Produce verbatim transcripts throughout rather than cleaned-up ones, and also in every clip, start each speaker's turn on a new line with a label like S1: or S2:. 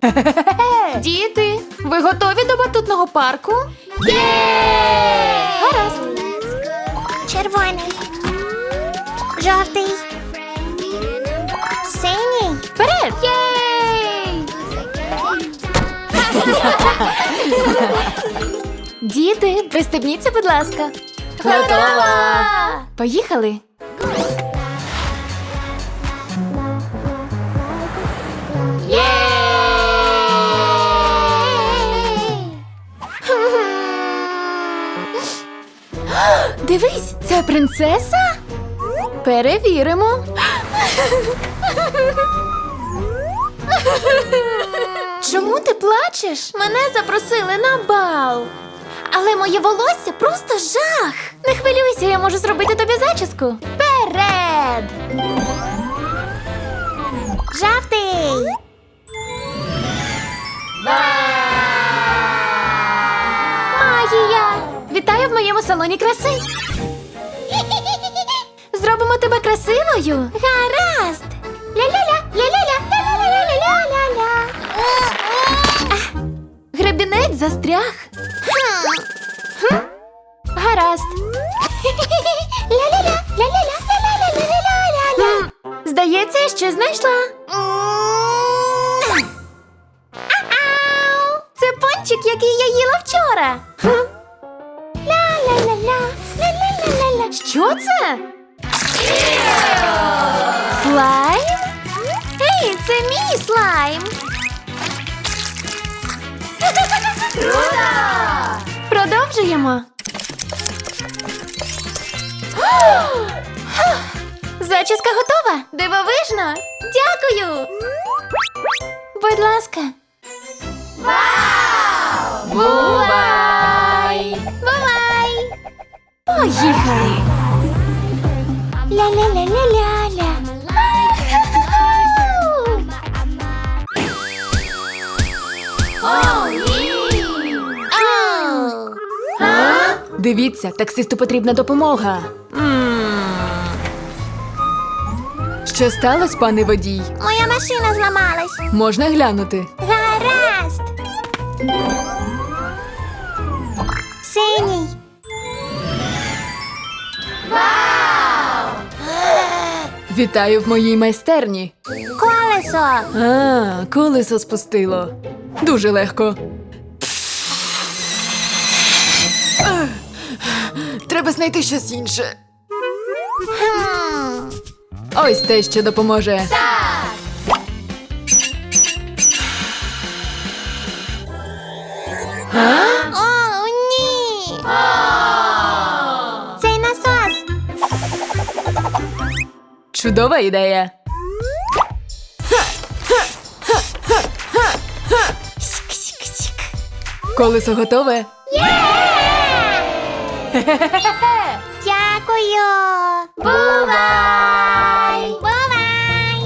S1: Діти, ви готові до батутного парку?
S2: Є!
S1: Гаразд.
S2: Червоний. Жовтий. Синій.
S1: Вперед! Єй! Діти, пристебніться, будь ласка.
S2: Готова!
S1: Поїхали.
S2: Є!
S1: Дивись, це принцеса? Перевіримо. Чому ти плачеш? Мене запросили на бал. Але моє волосся просто жах. Не хвилюйся, я можу зробити тобі зачіску. Вперед!
S2: Жовтий.
S1: Магія! Вітаю в моєму салоні краси. Зробимо тебе красивою.
S2: Гаразд. Ля-ля-ля, ля-ля-ля, ля-ля-ля-ля-ля-ля-ля.
S1: Гребінець застряг.
S2: Хм.
S1: Гаразд.
S2: Ля-ля-ля, ля-ля-ля, ля-ля-ля-ля-ля-ля-ля.
S1: М, Здається, я ще знайшла.
S2: Ау!
S1: Це пончик, який я їла вчора.
S2: Ля-ля-ля-ля, ля-ля-ля-ля-ля.
S1: Що це? Слайм? Ей, це мій слайм.
S2: Круто!
S1: Продовжуємо. Зачіска готова. Дивовижно. Дякую. Будь ласка.
S2: Вау!
S1: Бувай! Бувай! Поїхали.
S2: Ля-ля-ля-ля-ля-ля.
S1: О, ні!
S2: Оу!
S1: Дивіться, таксисту потрібна допомога. Що сталося, пане водій?
S2: Моя машина зламалась.
S1: Можна глянути.
S2: Гаразд. Синій.
S1: Вітаю в моїй майстерні.
S2: Колесо.
S1: А, колесо спустило. Дуже легко. Ах, треба знайти щось інше.
S2: Хм.
S1: Ось те, що допоможе.
S2: О, ні. Цей насос.
S1: Чудова ідея. Колесо готове.
S2: Дякую. Бувай. Бувай.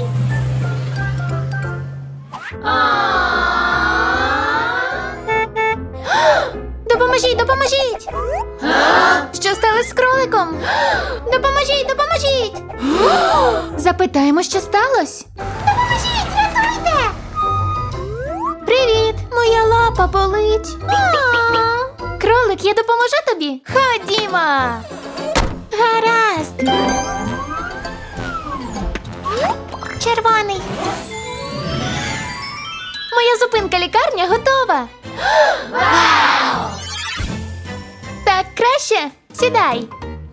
S1: Допоможіть, допоможіть! Що сталося з кроликом?
S2: Допоможіть, допоможіть.
S1: Запитаємо, що сталося.
S2: Допоможіть, рятуйте.
S1: Привіт! Моя лапа болить. Кролик, я допоможу тобі. Ходімо.
S2: Гаразд. Червоний.
S1: Моя зупинка лікарня готова. Вау! Так краще. Сідай.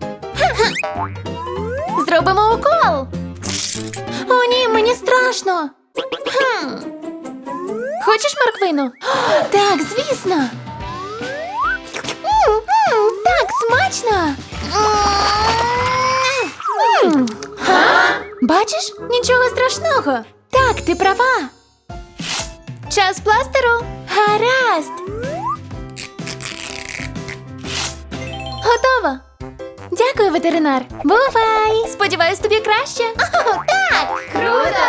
S1: Зробимо укол. О, ні, мені страшно. Хм. Хочеш морквину? Так, звісно. М, м, так, смачно. М. Бачиш? Нічого страшного. Так, ти права. Час пластеру. Гаразд. Готово. Дякую, ветеринар. Бувай. Сподіваюсь, тобі краще. О, так. Круто.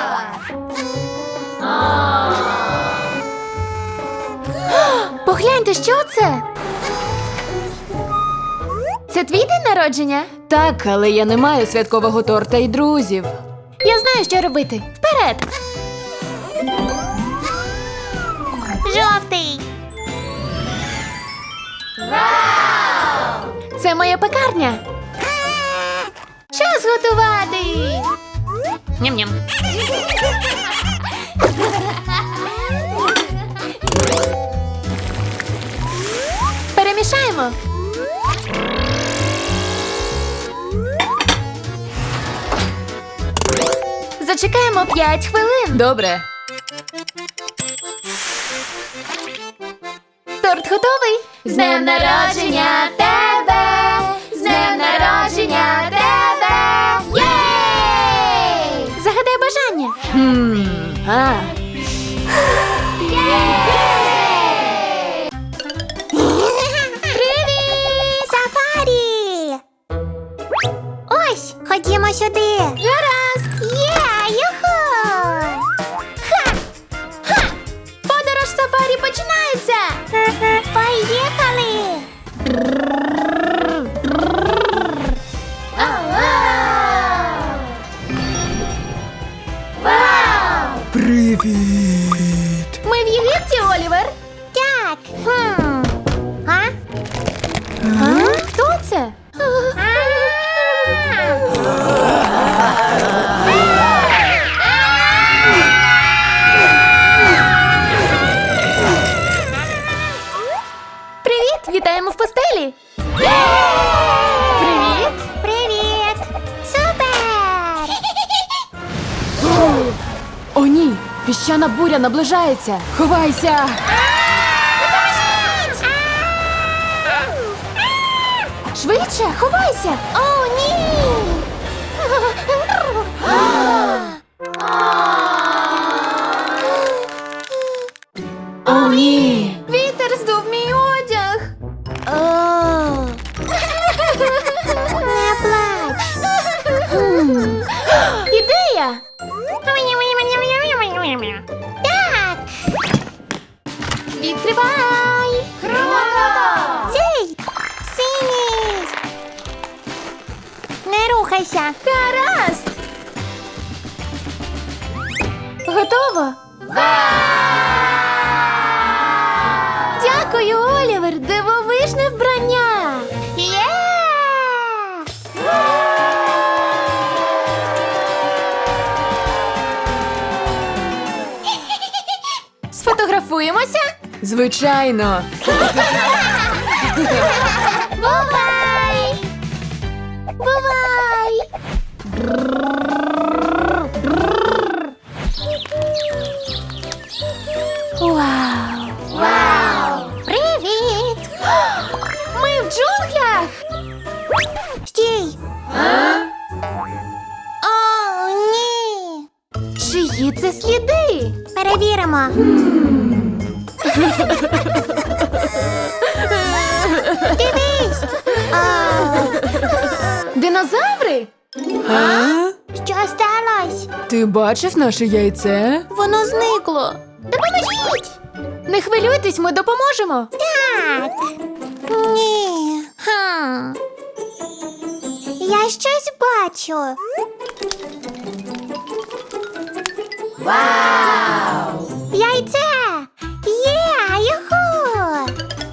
S1: Погляньте, що це? Це твій день народження? Так, але я не маю святкового торта і друзів. Я знаю, що робити. Вперед!
S2: Жовтий.
S1: Це моя пекарня. Час готувати. Ням-ням. Перемішаємо. Зачекаємо п'ять хвилин.
S3: Добре.
S1: Торт готовий. З днем народження тебе! З днем народження тебе! Єй! Загадай бажання.
S3: Хм. А.
S2: Привіт! Сафарі! Ось, ходімо сюди.
S1: Гаразд!
S2: Є, юху! Ха! Ха!
S1: Подорож сафарі починається!
S2: Поїхали!
S3: Привіт.
S1: Ми в Єгипті, Олівер.
S2: Так. Хм. А?
S1: А? Хто це? Привіт! Вітаємо в постелі! Привіт!
S2: Привіт! Супер!
S3: О, ні. Піщана буря наближається. Ховайся.
S1: Швидше, ховайся!
S2: О, ні!
S3: О, ні.
S1: Вітер здув мій одяг!
S2: О! Не плач!
S1: Ідея!
S2: Так!
S1: Відкривай! Круто!
S2: Цей! Синій! Не рухайся!
S1: Гаразд! Готово? Дякую, Олівер! Дивовижне вбрання!
S2: Є!
S1: Сфотографуємося?
S3: Звичайно.
S2: Бувай! Бувай!
S1: Вау!
S2: Вау! Привіт!
S1: Ми в джунглях!
S2: Стій! О, ні!
S1: Чиї це сліди?
S2: Перевіримо. Дивись! О,
S1: Динозаври?
S3: А?
S2: що сталося?
S3: Ти бачив наше яйце?
S1: Воно зникло.
S2: Допоможіть!
S1: Не хвилюйтесь, ми допоможемо.
S2: Так. Ні. Хм. Я щось бачу. Вау! Яйце! Є! Юху!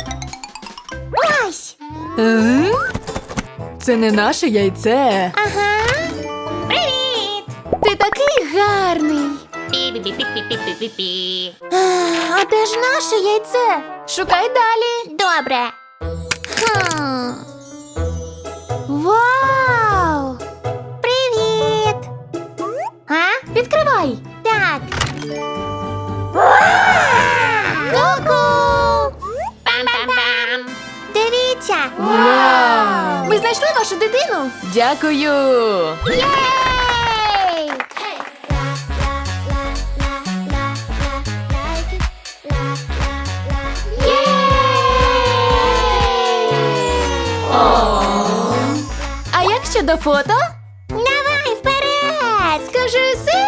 S2: Ось!
S3: Е? Це не наше яйце.
S2: Ага! Привіт!
S1: Ти такий гарний. А де ж наше яйце? Шукай далі.
S2: Добре. Хм.
S1: Вау!
S2: Привіт! А?
S1: Відкривай.
S2: Так. Ку-ку! Пам-пам-пам! Дивіться!
S3: Вау!
S1: Ми знайшли вашу дитину.
S3: Дякую.
S2: Єй!
S1: А як щодо фото?
S2: Давай вперед!
S1: Скажи си.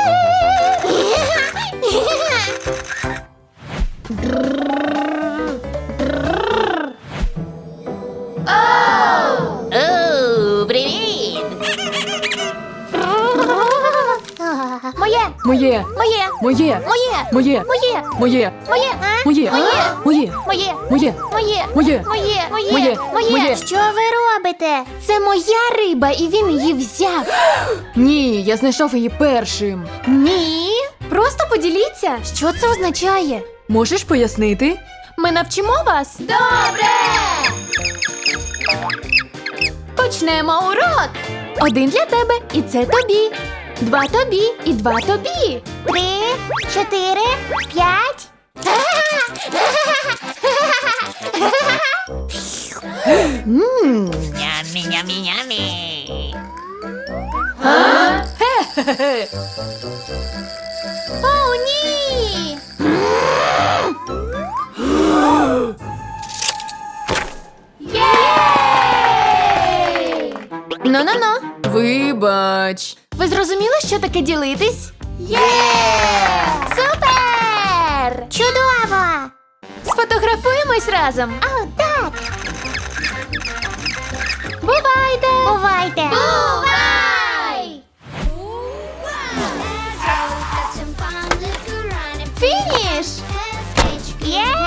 S2: Оу, привіт! Моя Моє!
S3: Моє.
S2: Моє!
S3: Моє.
S2: Моє!
S3: Моє.
S2: Моє!
S3: Моє.
S2: Моє! А?
S3: Моє.
S2: Моє!
S3: Моє.
S2: Моє!
S3: Моє.
S2: Моє!
S3: Моє.
S2: Моє!
S3: Моє. Моє.
S2: Що ви робите?
S1: Це моя риба, і він її взяв.
S3: Ні, я знайшов її першим.
S1: Ні. Просто поділіться, що це означає.
S3: Можеш пояснити?
S1: Ми навчимо вас. Добре! Почнемо урок. Один для тебе, і це тобі. Два тобі, і два тобі.
S2: Три, чотири, п'ять.
S4: Yummy, yummy, yummy.
S1: О, ні! Ну-ну-ну.
S3: Вибач.
S1: Ви зрозуміли, що таке ділитись?
S2: Є!
S1: Супер!
S2: Чудово!
S1: Сфотографуємось разом.
S2: О, так!
S1: Бувайте!
S2: Бувайте!
S1: Бувай! Фініш!
S2: Є!